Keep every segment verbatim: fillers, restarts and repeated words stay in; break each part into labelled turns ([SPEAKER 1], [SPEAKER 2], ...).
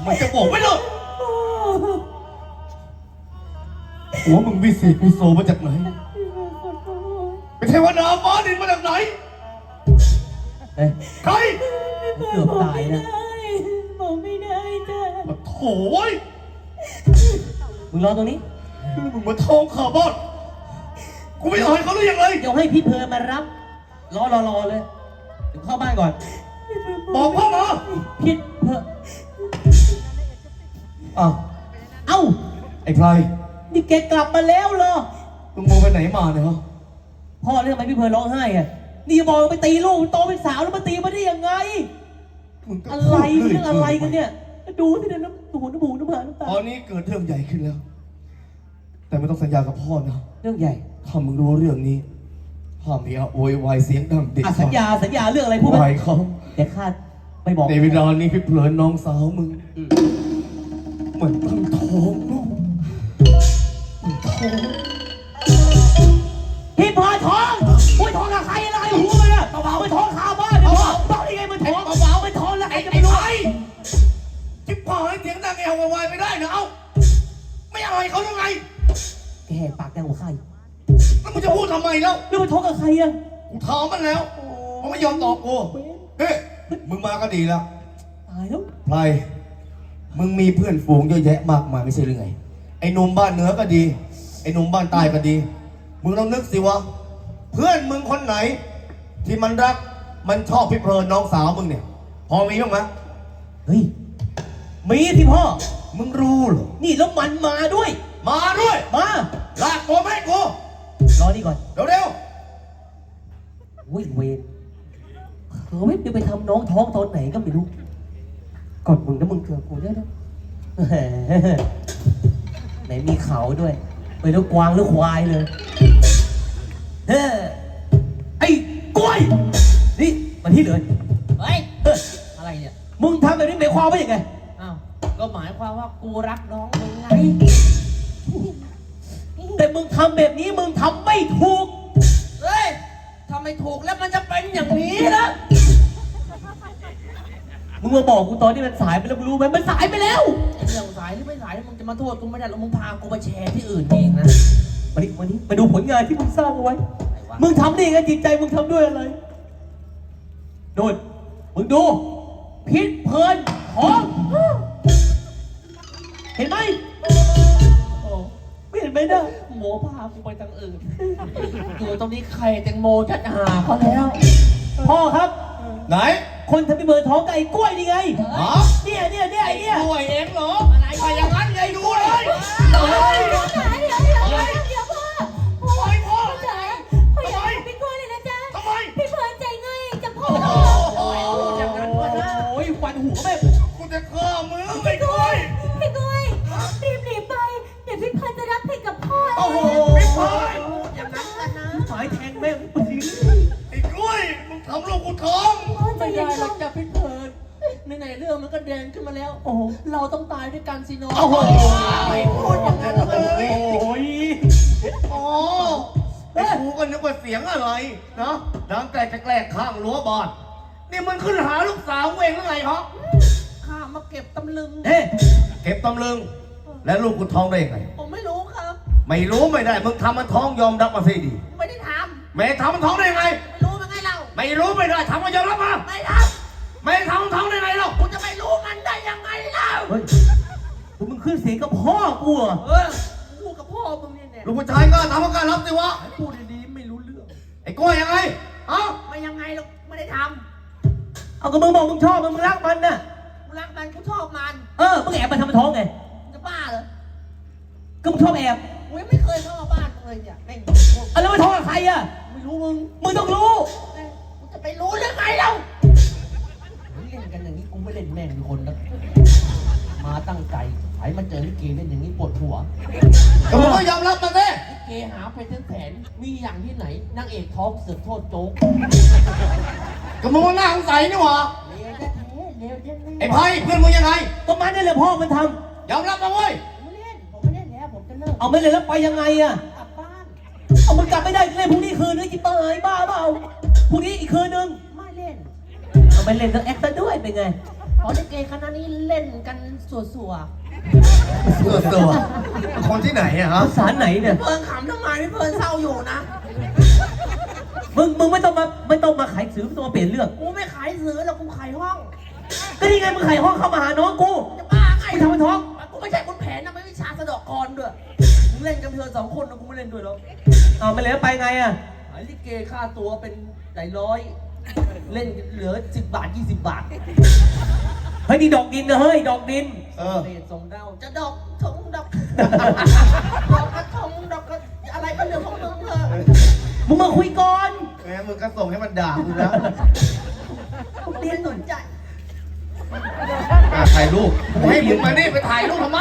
[SPEAKER 1] มันจะบอกไม่หรอกหัวมึงวิเศษวิโสมาจากไหนเป็นเทวดาฟ้าดินมาจากไหนใคร
[SPEAKER 2] เกือบตายนะ
[SPEAKER 3] บอกไม่ได้จ้ะ
[SPEAKER 1] โถ่เว้ย
[SPEAKER 2] มึงรอตรงนี้
[SPEAKER 1] มึงมาทองขาบ้านกูไม่อายเขาหรือยังไง
[SPEAKER 2] เดี๋ยวให้พี่เพลินมารับรอรอรอเลยเดี๋ยวเข้าบ้านก่อน
[SPEAKER 1] บอกพ่อมา
[SPEAKER 2] พี่เพลินอ้าวเอ้า
[SPEAKER 1] ไอ้ไพร
[SPEAKER 2] นี่แกกลับมาแล้วเหรอ
[SPEAKER 1] มึงโมไปไหนมาเนี่ยฮะ
[SPEAKER 2] พ่อเรื่องทำไมพี่เพลินร้องไห้อ่ะนี่บอกไปตีลูกโตเป็นสาวแล้วมาตีมาได้ยังไงอะไรเรื่องอะไรกันเนี่ยดูสิเนี่ยน้ำหูน้ำหูน้ำตาน้ำตา
[SPEAKER 1] ตอนนี้เกิดเรื่องใหญ่ขึ้นแล้วแต่ไม่ต้องสัญญากับพ่อนะ
[SPEAKER 2] เรื่องใหญ่
[SPEAKER 1] ถ้ามึงรู้เรื่องนี้ห้ามมีอะโวยวายเสียงดังเด็ก
[SPEAKER 2] สัญญาสัญญาเรื่องอะไรพูด
[SPEAKER 1] ไปเขา
[SPEAKER 2] เดี๋ยวข้าไม่บอก
[SPEAKER 1] ในเวลานี้พี่เพลินน้องสาวมึงเหมือนตั้งท้องลูกท้อง
[SPEAKER 2] พี่พอท้องโอ้ยท้องกับใครอะไรหูมันอะเบาๆไปท้องคาบ้านเนี่ยเบาๆได้ไงมันท้องเบาๆไปท้องแล้วใครจะไปรู้
[SPEAKER 1] จิ๊บพอให้เสียงดังเอววายไม่ได้นะเอ้าไม่อายเขาหรือไง
[SPEAKER 2] แกแหกปากแกหัวใคร
[SPEAKER 1] แล้วมึงจะพูดทำไมแล้ว
[SPEAKER 2] แล้วมันท้องกับใครอะ
[SPEAKER 1] กูถามมันแล้วมันไม่ยอมตอบกูเฮ้ยมึงมาก็ดีแล้ว
[SPEAKER 2] ตายแล้ว
[SPEAKER 1] ไพรมึงมีเพื่อนฝูงเยอะแยะมากมายไม่ใช่หรือไงไอ้หนุ่มบ้านเหนือก็ดีไอ้หนุ่มบ้านใต้ก็ดีมึงลองนึกสิวะเพื่อนมึงคนไหนที่มันรักมันชอบพี่เพลินน้องสาวมึงเนี่ยพอมีบ้างไหม
[SPEAKER 2] เฮ้ยมีที่พ่อ
[SPEAKER 1] มึงรู้เหรอ
[SPEAKER 2] นี่แล้วมันมาด้วย
[SPEAKER 1] มาด้วย
[SPEAKER 2] มา
[SPEAKER 1] ลากตัวแม่กู
[SPEAKER 2] รอนี่ก่อน
[SPEAKER 1] เร็วเร็ว
[SPEAKER 2] วิ่งเวรเฮ้ยไปทำน้องท้องตอนไหนก็ไม่รู้กดมึงนะมึงเกือบกูได้แล้วไหนมีเขาด้วยไปแล้วกวางหรือควายเลยเฮ้ไอ้กล้วยนี่มาที่เลย
[SPEAKER 3] เฮ้ยอะไรเนี่ย
[SPEAKER 2] มึงทำแบบนี้หมายความว่าอย่างไง
[SPEAKER 3] อ้าวก็หมายความว่ากูรักน้องมึงไง
[SPEAKER 2] แต่มึงทำแบบนี้มึงทำไม่ถูก
[SPEAKER 3] เฮ้ยทำไม่ถูกแล้วมันจะเป็นอย่างนี้นะ
[SPEAKER 2] มึงมาบอกกูตอนนี้มันสายไปแล้วมึงรู้ไหมมันสายไปแล้ว
[SPEAKER 3] เรื่องสายหรือไม่สายมึงจะมาโทษกูไม่ได้หรอกมึงพากูไปแชร์ที่อื่นเองนะ
[SPEAKER 2] มาดิมาดิมาดูผลงานที่มึงสร้างเอาไว้มึงทำได้ยังไงจิตใจมึงทำด้วยอะไรโดนมึงดูพิษเพลินของเห็นไหมไม่เห็นไหมนะ
[SPEAKER 3] โมพากูไปทางอื่นอยู่ตรงนี้ใครแตงโมจะหาเขาแล้ว
[SPEAKER 2] พ่อครับ
[SPEAKER 1] ไหน
[SPEAKER 2] คนทำพี่เบิร์ดท้องกับไอ้กล้วยนี่ไง
[SPEAKER 1] อ๋อ
[SPEAKER 2] เนี่ยเนี่ยเนี่ยไอ้เนี่ย
[SPEAKER 1] กล้วยเองเหรออะไรไปอย่างนั้นไงดูเลย
[SPEAKER 3] เดี๋ยวเดี๋ยวเดี๋ยวเดี๋ยวพ่อ
[SPEAKER 1] พ่อพ่อ
[SPEAKER 3] จ๋าพ่ออยากเป็นกล้วยเลยนะจ๊ะ
[SPEAKER 1] ทำไม
[SPEAKER 3] พี่เบิร์ดใจง่ายจะพ่อ
[SPEAKER 2] โอ้ยฟันหัวแม่
[SPEAKER 1] กูจะฆ่ามึงไอ้กล้วย
[SPEAKER 3] พี่กล้วยรีบหนีไปเดี๋ยวพี่เบิร์ดจะรับผิดกับพ่อ
[SPEAKER 1] โอ้โหพี่เบิร์ด
[SPEAKER 3] อย่างนั้นกันนะ
[SPEAKER 2] สายแทงแม่ง
[SPEAKER 1] ไอ้กล้วยมึงทำลูกกูท้อง
[SPEAKER 3] ไม่ได้หรอกจ้ะพี่เบิร์ดในไหนเรื่องมันก็แดงขึ้นมาแล้วโอ้เราต้องตายด้วยกันสิน้อง
[SPEAKER 1] โอ้โหไม่พูดอย่างนั้นเลย
[SPEAKER 2] โอ้ย
[SPEAKER 1] อ๋อไอ้กูก็นึกว่าเสียงอะไรนะดังแกล้งจะแกล้งข้างรั้วบ้านนี่มันขึ้นหาลูกสาวเองหรือไงฮะ
[SPEAKER 3] ข้ามาเก็บตำลึง
[SPEAKER 1] เอ๊ะเก็บตำลึงแล้วลูกกูท้องได้ยังไง
[SPEAKER 3] ผมไม่รู้ครับ
[SPEAKER 1] ไม่รู้ไม่ได้มึงทำมันท้องยอมรับมาสิดี
[SPEAKER 3] ไม่ได้ท
[SPEAKER 1] ำไม่ทำมันท้องได้ยังไง
[SPEAKER 3] ไม่รู้มันไงเรา
[SPEAKER 1] ไม่รู้ไม่ได้ทำมันยอมรับมา
[SPEAKER 3] ไม่ท
[SPEAKER 1] ำไม่ทำมันท้องได้ไงเรา
[SPEAKER 3] กูจะไม่รู้มันได้ยังไงเรา
[SPEAKER 2] เฮ้ยมึงขึ้นเสียงกับพ่อกูอ่ะ
[SPEAKER 3] เออพูดกับพ่อมึงเนี่ย
[SPEAKER 1] ลูกผู้ชายก็ทำการรับสิวะ
[SPEAKER 3] พูดดีๆไม่รู้เรื่อง
[SPEAKER 1] ไอ้กล้วยยังไงเอ้า
[SPEAKER 3] ไม่ยังไงหรอกไม่ได้ท
[SPEAKER 2] ำเอาก็มึงบอกมึงชอบมึงรักมันน่ะ
[SPEAKER 3] กูรักมันกูชอบมัน
[SPEAKER 2] เออมึงแอบมาทำมันท้องไง
[SPEAKER 3] จะบ้าเหรอ
[SPEAKER 2] ก็มึงชอบแอบ
[SPEAKER 3] กูยังไม่เคยเข้ามาบ้านมึงเลยเนี่ยแม่ง
[SPEAKER 2] อะไรมาท้องกับใครอ่ะ
[SPEAKER 3] ไม่รู้มึง
[SPEAKER 2] มึงต้องรู้
[SPEAKER 3] กูจะไปรู้ได้ไงเราเล่นกันอย่างนี้กูไม่เล่นแม่งมีคนนะมาตั้งใจไอ้มาเจอลิเกเล่นอย่างนี้ปวดหัว
[SPEAKER 1] ก็มึงก็ยอมรับมาสิ
[SPEAKER 3] ลิเกหาไปทั้งแสนมีอย่างที่ไหนนางเอกท้องเสือกโทษโจ๊ก
[SPEAKER 1] ก็มึงว่าหน้าสงสัยนี่หว่าไอ้ไพ่เพื่อนมึงยังไง
[SPEAKER 2] ก็มันนี่แหละพ่อมันท
[SPEAKER 1] ำยอมรับมาเว้ย
[SPEAKER 3] ไม่เล่นผมไม่เล่นแล้วผมจะเลิก
[SPEAKER 2] เอาไม่เล่นแล้วไปยังไงอะ
[SPEAKER 3] กลับบ้าน
[SPEAKER 2] เอามันกลับไม่ได้เล่นพรุ่งนี้คืนนึงจิตเตยบ้าเปล่าพรุ่งนี้อีกคืนนึง
[SPEAKER 3] ไม่เล่น
[SPEAKER 2] เอาไม่เล่นก็แอคซะด้วยเป็นไง
[SPEAKER 3] ขอลิเกคณะนี้เล่นกันสัว
[SPEAKER 1] ตัวตัวคนที่ไหนอะฮะ
[SPEAKER 2] ภาษาไหนเนี่ย
[SPEAKER 3] ๆเพิ่นขำทำไมไม่เพิ่นเศร้าอยู่นะ
[SPEAKER 2] มึงมึงไม่ต้องมาไม่ต้องมาขายสื่อไม่ต้องมาเปลี่ยนเรื่อง
[SPEAKER 3] กูไม่ขายซื้อแล้วกูขายห้อง
[SPEAKER 2] ก็นี่ไงมึงขายห้องเข้ามาหาน้องกู
[SPEAKER 3] จะบ้าไง
[SPEAKER 2] กูทำให้ท้อง
[SPEAKER 3] กูไม่ใช่คนแผนนะไม่วิชาสะเดอกกรด้วยมึงเล่นกันเธอสองคนนะกูไม่เล่นด้วยหรอก
[SPEAKER 2] เอาไม่เลยไปไงอะ
[SPEAKER 3] ขายลิเกค่าตัวเป็นหลายร้อย เล่นเหลือสิบบาทยี่สิบบาท
[SPEAKER 2] เฮ้ยนี่ดอกดินนะเฮ้ยดอกดิน
[SPEAKER 1] เออ
[SPEAKER 3] เดชส่งดาวจะดอกทงดอก ดอกกระทงดอกกระอะไรก็เรื่องของมึงเถอะ
[SPEAKER 2] มึงมาคุยก่อน
[SPEAKER 1] แหมมึงก็ส่งให้มันด่ากูแล้ว
[SPEAKER 3] กูเรียนสนใจ
[SPEAKER 1] อ่ะถ่ายรูปให้มึงมานี่ไปถ่ายรูปทำไม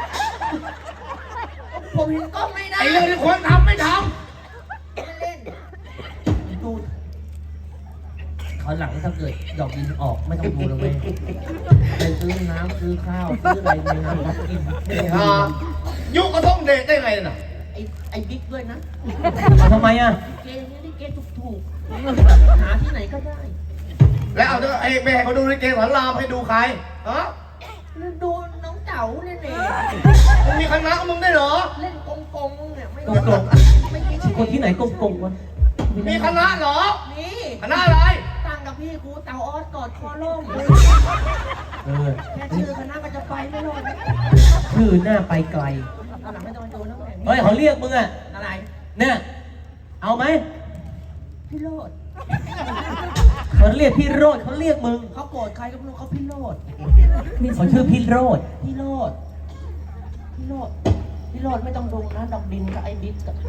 [SPEAKER 3] ผมเห็นกล้องไม่ได้
[SPEAKER 1] ไอ้เรื่องที่ควรทำไม่ท
[SPEAKER 3] ไม่เล่นดูเขาวหลังถ้าเกิดดอกดินออกไม่ต้องดูแล้วเว้ยไปซื้อน้ำซื้อข้าวซื้ออะไรในน้ำกิน
[SPEAKER 1] ำไอ้ห่ายุก็ต้องเดทได้ไงน่ะ
[SPEAKER 3] ไอ้ไอ้บิ๊กด้วยนะ
[SPEAKER 2] เอาทำไมอะ
[SPEAKER 3] เกมนี้ลิเกถูกๆหาที่ไหนก็ได้
[SPEAKER 1] แล้วเอาเถอะไอ้แม่เขาดูลิเกสอนรามให้ดูใครฮะ
[SPEAKER 3] ดูน้องเต๋าเล่นเอง
[SPEAKER 1] มึงมีคณะมึงได้เหรอ
[SPEAKER 3] เล่นกงกงๆเนี่ยไม่
[SPEAKER 2] กงกง
[SPEAKER 3] ไม่คิด
[SPEAKER 2] คนที่ไหนกงกงวะ
[SPEAKER 1] มีคณะเหรอ
[SPEAKER 3] นี่
[SPEAKER 1] คณะอะไร
[SPEAKER 3] ตั้งกับพี่กูเต๋าออสกอดคอล่ม
[SPEAKER 2] เออ
[SPEAKER 3] แค่ชื่อคณะก็จะไปไม่รอด
[SPEAKER 2] ชื่อหน้าไปไกล
[SPEAKER 3] ตอนหลังไม่ต้องมาดูน้ำแข็ง
[SPEAKER 2] เฮ้ยเขาเรียกมึงอะ
[SPEAKER 3] อะไร
[SPEAKER 2] เนี่ยเอาไหม
[SPEAKER 3] พี่โรด
[SPEAKER 2] เขาเรียกพี่โรดเขาเรียกมึง
[SPEAKER 3] เขาโกรธใครก็ไม่รู้เขาพี่โรด
[SPEAKER 2] เขาชื่อพี่โรด
[SPEAKER 3] พี่โรดพี่โรดพี่โรดไม่ต้องดูนะดอกดินกับไอ้บิ๊กอะ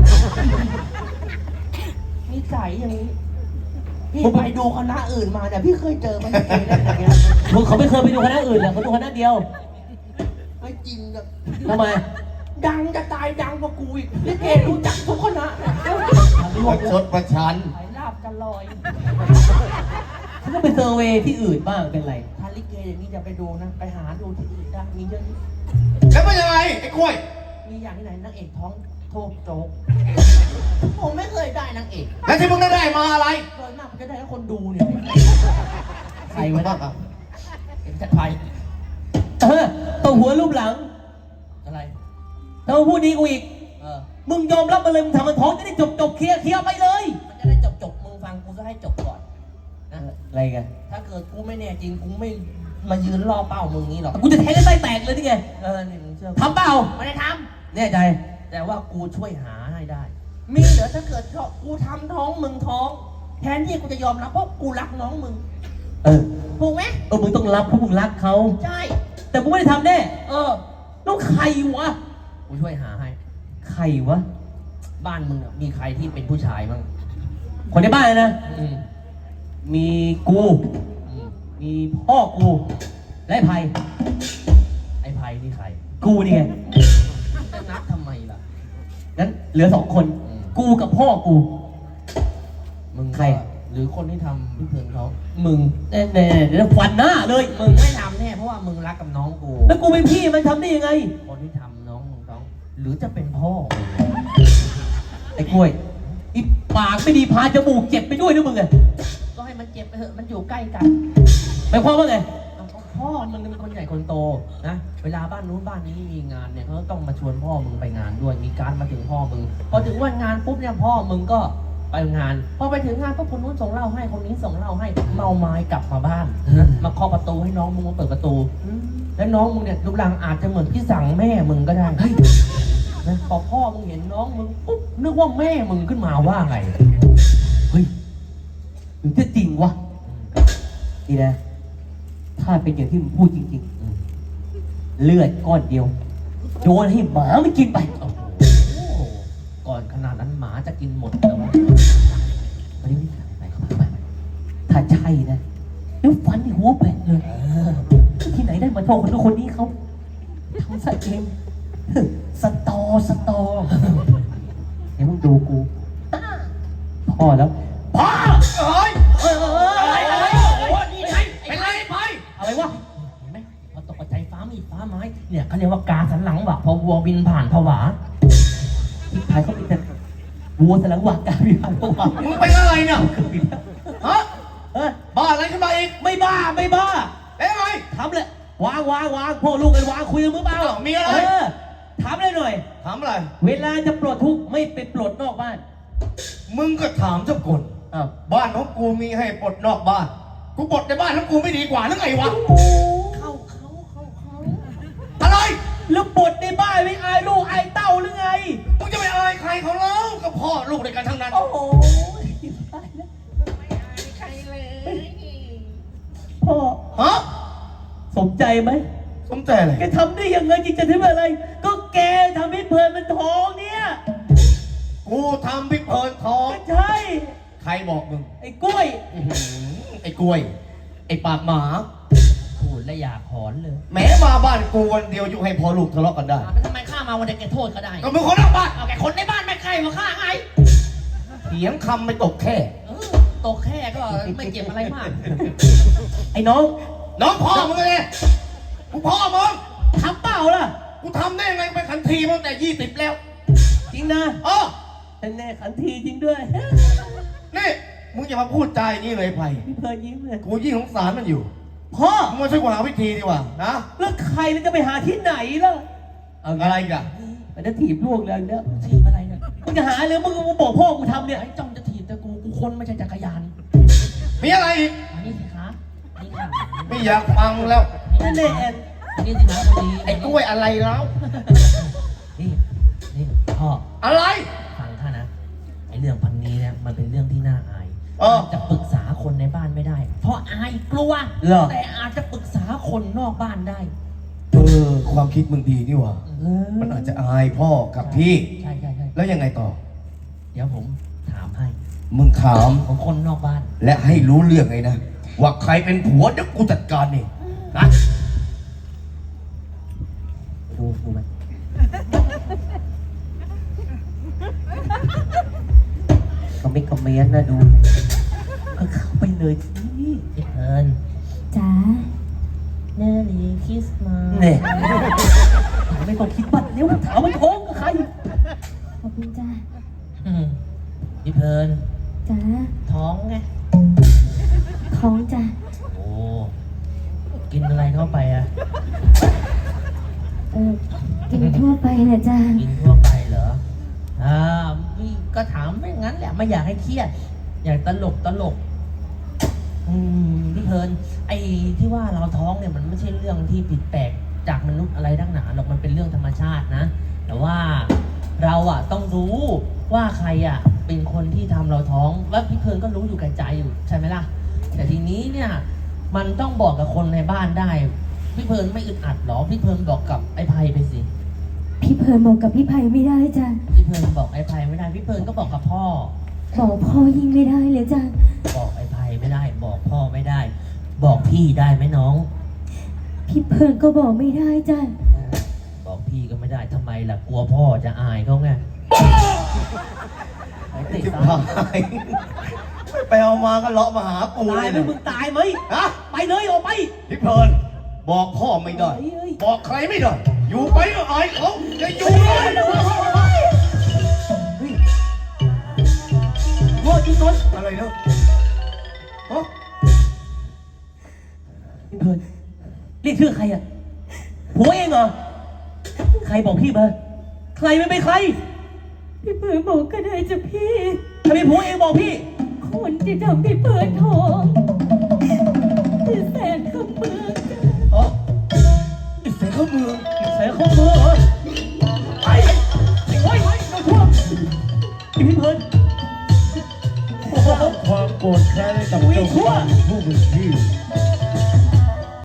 [SPEAKER 3] นิสัยอย่างนี้ พี่ไปดูคณะอื่นมาเนี่ยพี่เคยเจอไหมลิเกเล่นอย่างเงี้ย
[SPEAKER 2] มึงเขาไม่เคยไปดูคณะอื่นเลยเขาดูคณะเดียว
[SPEAKER 3] ไม่จริงอะ
[SPEAKER 2] ทำไม
[SPEAKER 3] ดังจะตายดังกว่ากูอีกลิเกรู้จักทุกคณะเนี่ย
[SPEAKER 1] ประชดประชัน
[SPEAKER 3] ขายลาบจะลอย
[SPEAKER 2] ฉันก็ไปเซอร์เวย์ที่อื่นบ้างเป็นไร
[SPEAKER 3] ถ้าลิเกอย่างนี้จะไปดูนะ ไปหาดูที่อื่นได้มีเยอะ
[SPEAKER 1] แล้วเป็นยังไงไอ้กล้วย
[SPEAKER 3] มีอย่างที่ไหนนางเอกท้องโทษโจ๊กผมไม่เคยได้นางเอก
[SPEAKER 1] แล้วที่มึงได้ได้มาอะไร
[SPEAKER 3] โดยมากผมจะได้แค่คนดูเนี่ย
[SPEAKER 2] ใครวะเนี่ย
[SPEAKER 3] เห็นจัดไป
[SPEAKER 2] เออตัวหัวรูปหลัง
[SPEAKER 3] อะไร
[SPEAKER 2] แล้วพูดดีกูอีก
[SPEAKER 3] เออ
[SPEAKER 2] มึงยอมรับมาเลยมึงทำมันท้องจะได้จบจบเคลียร์เคลียร์ไปเลย
[SPEAKER 3] มันจะได้จบจบมึงฟังกูจะให้จบก่อนนะ
[SPEAKER 2] อะไรกัน
[SPEAKER 3] ถ้าเกิดกูไม่แน่จริงกูไม่มายืนรอเป้ามึงงี้หรอก
[SPEAKER 2] กูจะแทงให้ไส้แตกเลยนี่ไง
[SPEAKER 3] เออนี่มึงเชื่อ
[SPEAKER 2] ทำเปล่า
[SPEAKER 3] ไม่ได้ท
[SPEAKER 2] แน่ใจ
[SPEAKER 3] ำแต่ว่ากูช่วยหาให้ได้ มีเดี๋ยวถ้าเกิดกูทำท้องมึงท้อง แทนที่กูจะยอมรับเพราะกูรักน้องมึง
[SPEAKER 2] เออ
[SPEAKER 3] ถูกไหม
[SPEAKER 2] เออมึงต้องรับเพราะมึงรักเขา
[SPEAKER 3] ใช่
[SPEAKER 2] แต่กูไม่ได้ทำแน่
[SPEAKER 3] เออ
[SPEAKER 2] แล้วใครวะ
[SPEAKER 3] กูช่วยหาให้
[SPEAKER 2] ใครวะ
[SPEAKER 3] บ้านมึงอะมีใครที่เป็นผู้ชายบ้าง
[SPEAKER 2] คนในบ้านนะ
[SPEAKER 3] อืม
[SPEAKER 2] มีกู
[SPEAKER 3] อืม
[SPEAKER 2] มีพ่อกูและไอ้ไผ่
[SPEAKER 3] ไอ้ไพ่นี่ใคร
[SPEAKER 2] กูนี่ไง
[SPEAKER 3] จะนับทำไมล่ะ
[SPEAKER 2] งั้นเหลือสองคน
[SPEAKER 3] อืม
[SPEAKER 2] กูกับพ่อกู
[SPEAKER 3] มึง
[SPEAKER 2] ใคร
[SPEAKER 3] หรือคนที่ทำพี่เพิงเขามึง
[SPEAKER 2] แน่แน่ๆเดี๋ยวฟันหน้าเลย
[SPEAKER 3] มึงไม่ทำแน่เพราะว่ามึงรักกับน้องกู
[SPEAKER 2] แล้วกูเป็นพี่มันทำได้ยังไง
[SPEAKER 3] คนที่ทำน้องมึงท้อง หรือจะเป็นพ่อ
[SPEAKER 2] ไอ้กล้วยอีปากไม่ดีพาจมูกเจ็บไปด้วยนะมึงไง
[SPEAKER 3] ก็ให้มันเจ็บไปเถอะมันอยู่ใกล้กัน
[SPEAKER 2] หมายความว่าไง
[SPEAKER 3] เอาก็พ่อมึงเป็นคนใหญ่คนโตนะ เวลาบ้านนู้นบ้านนี้มีงานเนี่ยเขาก็ต้องมาชวนพ่อมึงไปงานด้วย มีการมาถึงพ่อมึง พอถึงวันงานปุ๊บเนี่ยพ่อมึงก็ไปงาน พอไปถึงงานปุ๊บคนนู้นส่งเหล้าให้ คนนี้ส่งเหล้าให้ เมาไม้กลับมาบ้านนะมาเคาะประตูให้น้องมึงมาเปิดประตู แล้วน้องมึงเนี่ยรูปร่างอาจจะเหมือนพี่สั่งแม่มึงก็ได้นะพอพ่อมึงเห็นน้องมึงปุ๊บนึกว่าแม่มึงขึ้นมาว่าไง
[SPEAKER 2] เฮ้ยหรือจะจริงวะนี่นะ ถ้าเป็นอย่างที่มึงพูดจริงๆ เลือดก้อนเดียวโยนให้หมามันกินไป
[SPEAKER 3] โอ้โหก่อนขนาดนั้นหมาจะกินหมดแล้วะ
[SPEAKER 2] มาดิไปเข้าไปเข้าไปถ้าใช่นะเดี๋ยวฟันในหัวแบะเลยที่ไหนได้มาโทษคนนู้นคนนี้เขาทำซะเองสตอสตอเดี๋ยวมึงดูกูพ่อแล้วพ่อ
[SPEAKER 1] เอ้ย
[SPEAKER 2] เอ้ยเอ้ย
[SPEAKER 3] อะไร
[SPEAKER 2] เอ้ย
[SPEAKER 3] อะไร
[SPEAKER 2] เอ้ย
[SPEAKER 3] โอ้โหนี่ไง
[SPEAKER 1] เป็นไรไป
[SPEAKER 2] อะไรวะ
[SPEAKER 3] เห็นไหมพอตกใจฟ้ามีฟ้าไม้ เนี่ยเขาเรียกว่ากาสันหลังว่ะพอวัวบินผ่านผวา
[SPEAKER 2] ที่ไทยเขาเป็นแต่วัวสลังวากาพิพันธ์พวกเรา
[SPEAKER 1] มึงเป็นอะไรเนี่ย
[SPEAKER 2] คือผิดแล้ว
[SPEAKER 1] ฮะ
[SPEAKER 2] เออ
[SPEAKER 1] บ้าอะไรขึ้นมาอีก
[SPEAKER 2] ไม่บ้าไม่บ้า
[SPEAKER 1] แล้วไง
[SPEAKER 2] ถามเลยวางวางวางพ่อลูกกันวางคุยกันมือเปล่า
[SPEAKER 1] อ้าวมีอะไร
[SPEAKER 2] เออถามเลยหน่อย
[SPEAKER 1] ถามอะไร
[SPEAKER 2] เวลาจะปลดทุกข์ไม่ไปปลดนอกบ้าน
[SPEAKER 1] มึงก็ถามเจ้าคน
[SPEAKER 2] อ้าว
[SPEAKER 1] บ้านของกูมีให้ปลดนอกบ้าน กูปลดในบ้านของกูไม่ดีกว่าหรือไงวะ
[SPEAKER 3] เข้าเขาเข้าเขา
[SPEAKER 1] อะไร
[SPEAKER 2] แล้วปลดในบ้านไม่อายลูกอายเต้าหรือไง
[SPEAKER 1] มึงจะไปอายใครเขาแล้วก็พ่อลูกในกันทั้งนั้น
[SPEAKER 2] โอ้โหตายแล้ว
[SPEAKER 3] ไม่อายใครเลย
[SPEAKER 2] พ่อ
[SPEAKER 1] ฮะ
[SPEAKER 2] สมใจไหม
[SPEAKER 1] สมใจอะไร
[SPEAKER 2] แกทำได้ยังไงจริงจะทำอะไร ก็แกทำให้เพลินมันท้องเนี่ย
[SPEAKER 1] กูทำพิเพลินท้อง
[SPEAKER 2] ก็ใช่
[SPEAKER 1] ใครบอกมึง
[SPEAKER 2] ไอ้กล้วย
[SPEAKER 1] อื้อหือไอ้กล้วย ไอ้ปากหมา
[SPEAKER 3] พูดและอยากหอนเลย
[SPEAKER 1] แม้มาบ้านกูวันเดียวยุให้พอลูกทะเลาะกันได้
[SPEAKER 3] อ่ะแล้วทำไมข้ามาวันเด็กแกโทษก็ได้
[SPEAKER 1] ก็มึงคนนอกบ้าน
[SPEAKER 3] เอาแกคนในบ้านไม่ใครมาฆ่าไง
[SPEAKER 1] เถียงคำไม่ตกแค่
[SPEAKER 3] เออตกแค่ก็ไม่เจ็บอะไรมาก
[SPEAKER 2] ไอ้น้อง
[SPEAKER 1] น้องพ่อมึงเลยกูพ่อมึง
[SPEAKER 2] ทำเปล่าล่ะ
[SPEAKER 1] กูทำได้ยังไงไปขันทีมาตั้งแต่ยี่สิบแล้ว
[SPEAKER 2] จริงนะ
[SPEAKER 1] เออ
[SPEAKER 2] แต่แน่ขันทีจริงด้วย
[SPEAKER 1] นี่มึงอย่ามาพูดใจอย่างนี้เลยไผ่
[SPEAKER 2] พี่เพลินยิ้มเลย
[SPEAKER 1] กูยิ่งสงสารมันอยู่
[SPEAKER 2] พ่อ
[SPEAKER 1] มึงมาช่วยกูหาวิธีดีกว่านะ
[SPEAKER 2] แล้วใครมันจะไปหาที่ไหนล่ะ เอาไง
[SPEAKER 1] อะไรอีกัน
[SPEAKER 2] มันจะถีบลูกเลยเนี่ย
[SPEAKER 3] ถีบอะไรเนี่ย
[SPEAKER 2] มึงจะหาเลยมึงมึงบอกพ่อกูทำเนี่ย
[SPEAKER 3] ไอ้จ้องจะถีบแต่กูกูคนไม่ใช่จักรยาน
[SPEAKER 1] มีอะไรอีก
[SPEAKER 3] อันนี้สิคะนี่ค่ะ
[SPEAKER 1] ไม่อยากฟังแล้ว
[SPEAKER 2] นั่นแหละแอน
[SPEAKER 3] อันนี้สิคะพอดี
[SPEAKER 1] ไอ้กล้วยอะไรแล้ว
[SPEAKER 3] นี่นี่พ่อ
[SPEAKER 1] อะไร
[SPEAKER 3] ฟังข้านะไอ้เรื่องพันนี้เนี่ยมันเป็นเรื่องที่น่าอาย
[SPEAKER 1] เออ
[SPEAKER 3] จะปรึกษาคนในบ้านไม่ได้ เพราะอายกลัว
[SPEAKER 2] เหรอ
[SPEAKER 3] แต่อาจจะปรึกษาคนนอกบ้านได้
[SPEAKER 1] เออ ความคิดมึงดีนี่หว่า
[SPEAKER 2] เออ
[SPEAKER 1] มันอาจจะอายพ่อกับพี่
[SPEAKER 3] ใช่ใช่ใช่
[SPEAKER 1] แล้วยังไงต่อ
[SPEAKER 3] เดี๋ยวผมถามให้
[SPEAKER 1] มึงถาม
[SPEAKER 3] ของคนนอกบ้าน
[SPEAKER 1] และให้รู้เรื่องไงนะ ว่าใครเป็นผัวเดี๋ยวกูจัดการเองนะ
[SPEAKER 2] ดูดูมันก็ไม่คอมเมนต์นะดูก็เข้าไปเลยสิ
[SPEAKER 3] พี่เอิญ
[SPEAKER 4] จ๋า
[SPEAKER 3] เนรีคริสต์มาส
[SPEAKER 2] เนี่ยไม่ต้องคิดบัตรเร็วถามมันท้องกับใคร
[SPEAKER 4] ขอบคุณจ้า
[SPEAKER 3] อืมพี่เพิร์น
[SPEAKER 4] จ๋า
[SPEAKER 3] ท้องไง
[SPEAKER 4] ท้องจ้า
[SPEAKER 3] โอ้ กินอะไรเข้าไปอะ
[SPEAKER 4] เออกินทั่วไปแหละจ้า
[SPEAKER 3] กินทั่วไปเหรอ อ่าพี่ก็ถามไม่งั้นแหละ ไม่อยากให้เครียด อยากตลกตลก อืมพี่เพิร์นไอ้ที่ว่าเราท้องเนี่ยมันไม่ใช่เรื่องที่ผิดแปลกจากมนุษย์อะไรทั้งหนาหรอกมันเป็นเรื่องธรรมชาตินะ แต่ว่าเราอ่ะต้องรู้ว่าใครอ่ะเป็นคนที่ทำเราท้องว่าพี่เพิร์นก็รู้อยู่กับใจอยู่ใช่ไหมล่ะ แต่ทีนี้เนี่ยมันต้องบอกกับคนในบ้านได้ พี่เพิร์นไม่อึดอัดหรอพี่เพิร์นบอกกับไอ้ไพไปสิ
[SPEAKER 4] พี่เพลินบอกกับพี่ไผ่ไม่ได้จ้า
[SPEAKER 3] พี่เพิร์นบอกไอ้ไพไม่ได้พี่เพิร์นก็บอกกับพ่อ
[SPEAKER 4] บอกพ่อยิ่งไม่ได้เลยจ้า
[SPEAKER 3] บอกไอ้ไพไม่ได้ บอกพ่อไม่ได้ บอกพี่ได้ไหมน้อง
[SPEAKER 4] พี่เพลินก็บอกไม่ได้จ้า
[SPEAKER 3] บอกพี่ก็ไม่ได้ทำไมล่ะกลัวพ่อจะอายเขาไง
[SPEAKER 2] ไอ้ติ
[SPEAKER 1] จิบ
[SPEAKER 2] ตา
[SPEAKER 1] หายไปเอามาก็เลาะมาหากู
[SPEAKER 2] ตาย
[SPEAKER 1] เล
[SPEAKER 2] ไหม
[SPEAKER 1] ย
[SPEAKER 2] มึงตายไหม
[SPEAKER 1] ฮะ
[SPEAKER 2] ไปเลยออกไป
[SPEAKER 1] พี่เพลินบอกพ่อไม่ได้
[SPEAKER 2] เฮ้ยเฮ้ย
[SPEAKER 1] บอกใครไม่ได้ อยู่ไปก็อายเขาจะอยู่เลย
[SPEAKER 2] พ่อจุดต้น
[SPEAKER 1] อะไรเนาะฮะ
[SPEAKER 2] พี่เพลินเรียกชื่อใครอ่ะผัวเองเหรอ ใครบอกพี่มาใครไม่เป็นใคร
[SPEAKER 4] พี่เพลินบอกก็ได้จ้ะพี่
[SPEAKER 2] ถ้าเป็นผัวเองบอกพี่
[SPEAKER 4] คนที่ทำพี่เพลินท้องคือแสนคำเมืองจ้า
[SPEAKER 1] อ๋อเสียงเขามือ
[SPEAKER 2] ใส่ข้อมือเหรอไอ้ไอ้โอ้ยเราทั่วพี่เพลินโอ้โห
[SPEAKER 5] ความโกรธแค้นให้กับ
[SPEAKER 2] อุ้ย
[SPEAKER 5] เจ้า
[SPEAKER 2] ทั่ว
[SPEAKER 5] ของ